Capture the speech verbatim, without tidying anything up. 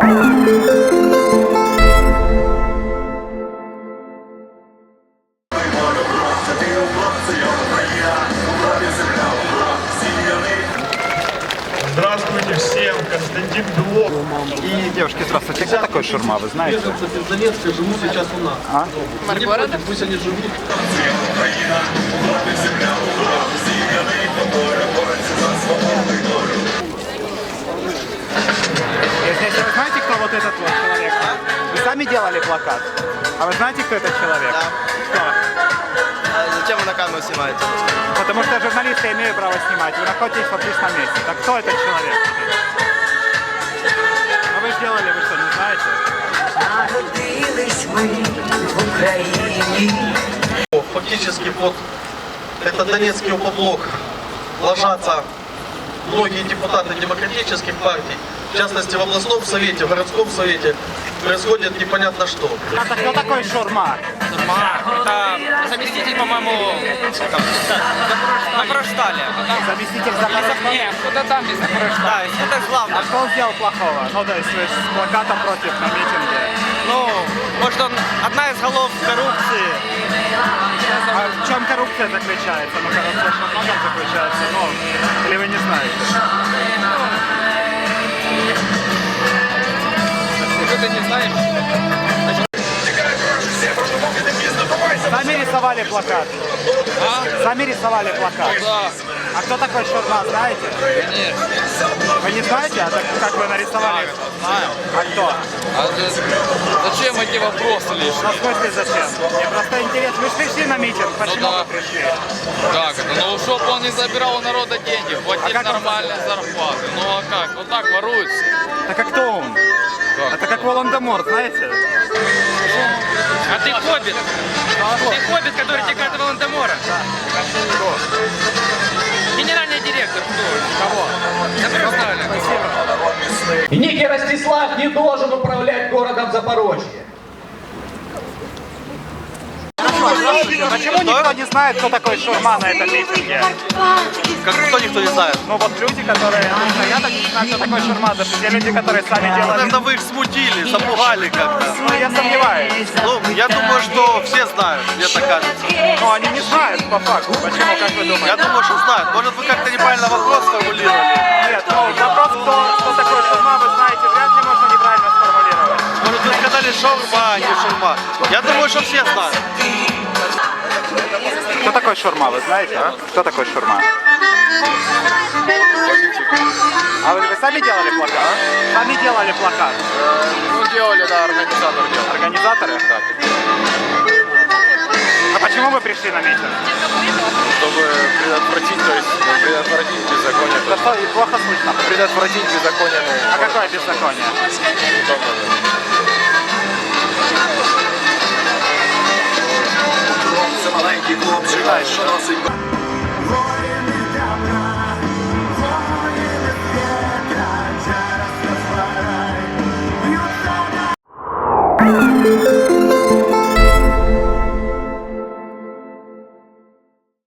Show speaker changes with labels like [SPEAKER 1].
[SPEAKER 1] Здравствуйте всем, Константин Белов.
[SPEAKER 2] И, девушки, здравствуйте. Кто такой Шурма, вы знаете?
[SPEAKER 3] Из Донецка живут сейчас у нас.
[SPEAKER 2] А?
[SPEAKER 3] Маргорода? Пусть они живут.
[SPEAKER 2] Если, если вы знаете, кто вот этот вот человек? Вы сами делали плакат? А вы знаете, кто этот человек?
[SPEAKER 4] Да.
[SPEAKER 2] Кто?
[SPEAKER 4] А зачем вы на камеру снимаете?
[SPEAKER 2] Потому что журналисты имеют право снимать. Вы находитесь в публичном месте. Так кто этот человек? А вы сделали, вы что, не знаете?
[SPEAKER 5] Народились мы в Украине.
[SPEAKER 3] Фактически под этот донецкий опоблок ложатся многие депутаты демократических партий. В частности, в областном совете, в городском совете происходит непонятно что.
[SPEAKER 2] А так кто такой Шурма?
[SPEAKER 4] Это заместитель, по-моему, на Проштале.
[SPEAKER 2] Заместитель Запорожца?
[SPEAKER 4] Нет, куда там без Проштале. Да, это
[SPEAKER 2] А
[SPEAKER 4] главное.
[SPEAKER 2] что он сделал плохого? Ну, то есть вы с плакатом против на митинге.
[SPEAKER 4] Ну, может, он одна из голов коррупции.
[SPEAKER 2] А в чем коррупция заключается? Ну, коррупция что много заключается, ну, или вы не знаете?
[SPEAKER 4] Что ты не знаешь?
[SPEAKER 2] Сами рисовали плакат?
[SPEAKER 4] А?
[SPEAKER 2] Сами рисовали плакат?
[SPEAKER 4] Да.
[SPEAKER 2] А кто такой Шурма, знаете?
[SPEAKER 4] Нет.
[SPEAKER 2] Вы не знаете? А так, как вы нарисовали?
[SPEAKER 4] Знаю.
[SPEAKER 2] А кто?
[SPEAKER 4] А зачем эти вопросы
[SPEAKER 2] Ну,
[SPEAKER 4] лишние?
[SPEAKER 2] в смысле зачем? Мне просто интересно. Вы же пришли на митинг, почему
[SPEAKER 4] Ну да.
[SPEAKER 2] вы пришли?
[SPEAKER 4] Как это? Ну, чтоб он не забирал у народа деньги, платить
[SPEAKER 2] А как он
[SPEAKER 4] нормальные зарплаты. Ну, а как? Вот так воруются.
[SPEAKER 2] Так а кто он?
[SPEAKER 4] Как?
[SPEAKER 2] Это как Волан-де-Морт, знаете?
[SPEAKER 4] А ты хоббит? Ты хоббит, который текает Волан-де-Мора?
[SPEAKER 2] Кто?
[SPEAKER 4] Генеральный директор, кто?
[SPEAKER 2] Кого?
[SPEAKER 4] Запрещали.
[SPEAKER 2] Спасибо.
[SPEAKER 6] И некий Ростислав не должен управлять городом Запорожье.
[SPEAKER 2] Почему никто не знает, кто такой Шурма на этом митинге?
[SPEAKER 3] Как кто никто не знает.
[SPEAKER 2] Ну вот люди, которые... Ну, я так не знаю, кто такой Шурма, даже те люди, которые сами делали...
[SPEAKER 3] Наверное, вы их смутили, запугали как-то.
[SPEAKER 2] Ну, я сомневаюсь.
[SPEAKER 3] Ну, я думаю, что все знают, мне так кажется.
[SPEAKER 2] Но они не знают по факту. Почему, как вы думаете?
[SPEAKER 3] Я думаю, что знают. Может, вы как-то неправильно вопрос сформулировали.
[SPEAKER 2] Нет, ну вопрос, кто, кто такой Шурма, вы знаете, вряд ли можно неправильно сформулировать.
[SPEAKER 3] Может, вы сказали шаурма, а не шурма. Я думаю, что все знают.
[SPEAKER 2] Кто такой Шурма, вы знаете? А? Кто такой Шурма? А вы, вы сами делали плакат? А? Сами делали плакат?
[SPEAKER 4] Ну, делали, да, организатор делал.
[SPEAKER 2] Организаторы? А почему вы пришли на митинг?
[SPEAKER 4] Чтобы предотвратить, то есть предотвратить беззаконие.
[SPEAKER 2] Да что, и плохо слышно.
[SPEAKER 4] Предотвратить беззаконие.
[SPEAKER 2] А какое беззаконие?
[SPEAKER 5] Це маленький хлопчик, що носить. Воїни добра, воїни п'єтра, через розбирай.